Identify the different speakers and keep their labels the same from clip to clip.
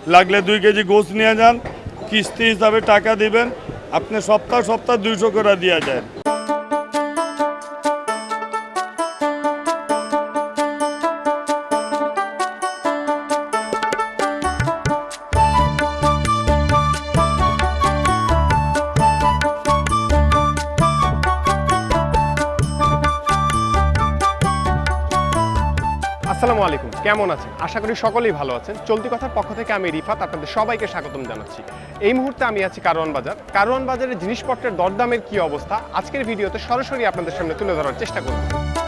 Speaker 1: লাগলে 2 কেজি গোস নিয়ে যান, কিস্তি হিসাবে টাকা দিবেন, আপনি সপ্তাহ 200 করে দিয়ে যায়।
Speaker 2: আসসালামু আলাইকুম, কেমন আছেন? আশা করি সকলেই ভালো আছেন। চলতি কথার পক্ষ থেকে আমি রিফাত আপনাদের সবাইকে স্বাগতম জানাচ্ছি। এই মুহূর্তে আমি আছি কারওয়ান বাজার। কারওয়ান বাজারের জিনিসপত্রের দরদামের কি অবস্থা আজকের ভিডিওতে সরাসরি আপনাদের সামনে তুলে ধরার চেষ্টা করব।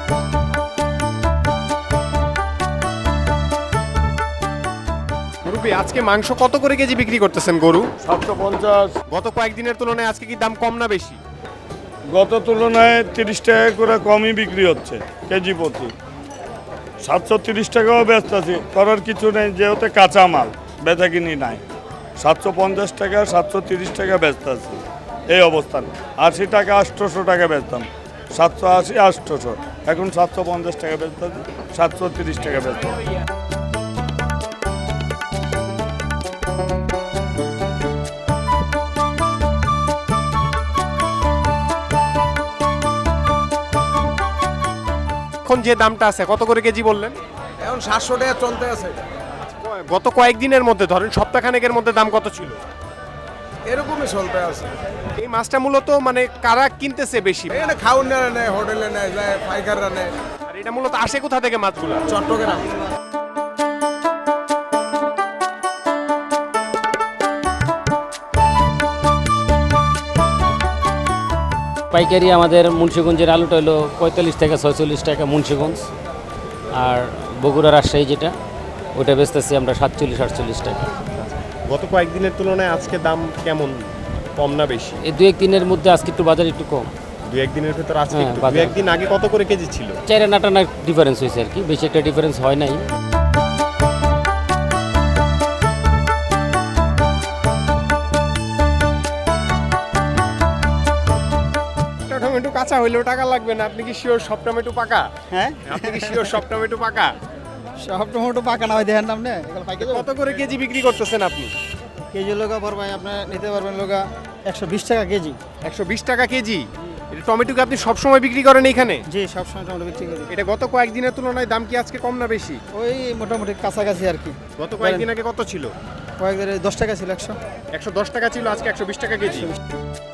Speaker 2: মুরব্বি, আজকে মাংস কত করে কেজি বিক্রি করতেছেন গরু?
Speaker 1: 750।
Speaker 2: গত কয়েকদিনের তুলনায় আজকে কি দাম কম না বেশি?
Speaker 1: গত তুলনায় 30 টাকা করে কমই বিক্রি হচ্ছে কেজি প্রতি। 730 টাকাও ব্যস্ত আছি, করার কিছু নেই, যেহেতু কাঁচা মাল বেচা কিনি নাই। 750 টাকা 730 টাকা ব্যস্ত আছি এই অবস্থান। 80 টাকা 800 টাকা বেচতাম, 780 800, এখন 750 টাকা ব্যস্ত আছি, 730 টাকা ব্যস্ত আছি।
Speaker 2: এখন যে দামটা আছে কত করে কেজি বললেন?
Speaker 3: এখন 700 টাকা চলতে আছে।
Speaker 2: গত কয়েকদিনের মধ্যে ধরেন সপ্তাহখানেকের মধ্যে দাম কত ছিল?
Speaker 3: এরকমই চলতে আছে।
Speaker 2: এই মাছটা মূলত মানে কারা কিনতেছে বেশি?
Speaker 3: এখানে খাউনারা নেয়, হোটেলে নেয়, যায় পাইকাররা নেয়।
Speaker 2: আর এটা মূলত আসে কোথা থেকে মাছগুলো?
Speaker 3: চট্টগ্রাম।
Speaker 4: পাইকারি আমাদের মুন্সিগঞ্জের আলুটা হলো 45 থেকে 46 টাকা মুন্সিগঞ্জ, আর বগুড়া রাজশাহী যেটা ওটা বেচতেছি আমরা 47-48 টাকা।
Speaker 2: গত কয়েকদিনের তুলনায় আজকে দাম কেমন, কম না বেশি?
Speaker 4: এই 2-1 দিনের মধ্যে আজকে একটু বাজার একটু কম।
Speaker 2: দু একদিনের ভেতর আজকে
Speaker 4: হ্যাঁ,
Speaker 2: একটু।
Speaker 4: বাজার।
Speaker 2: দু একদিন আগে কত করে কেজি ছিল?
Speaker 4: 4-8 ডিফারেন্স হয়েছে আর কি, বেশি একটা ডিফারেন্স হয় নাই।
Speaker 2: টমেটো কাঁচা হইলেও টাকা লাগবে না। আপনি কি শিওর সব টমেটো পাকা?
Speaker 5: হ্যাঁ,
Speaker 2: আপনি কি শিওর সব টমেটো পাকা?
Speaker 5: সব টমেটো পাকা না হয় দেখেন না আপনি, এগুলো পাইকে যাবে।
Speaker 2: কত করে কেজি বিক্রি করতেছেন আপনি?
Speaker 5: কেজি লোকা পড়বে আপনি নিতে পারবেন লোকা 120 টাকা কেজি।
Speaker 2: 120 টাকা কেজি। এটা টমেটোকে আপনি সব সময় বিক্রি করেন এখানে?
Speaker 5: জি, সবসময় টমেটো বিক্রি করি।
Speaker 2: এটা গত কয়েকদিনের তুলনায় দাম কি আজকে কম না বেশি?
Speaker 5: ওই মোটামুটি কাছাকাছি আর কি।
Speaker 2: গত কয়েকদিন আগে কত ছিল?
Speaker 5: কয়েকদিন 10 টাকা ছিল, 100।
Speaker 2: 110 টাকা ছিল, আজকে 120 টাকা কেজি।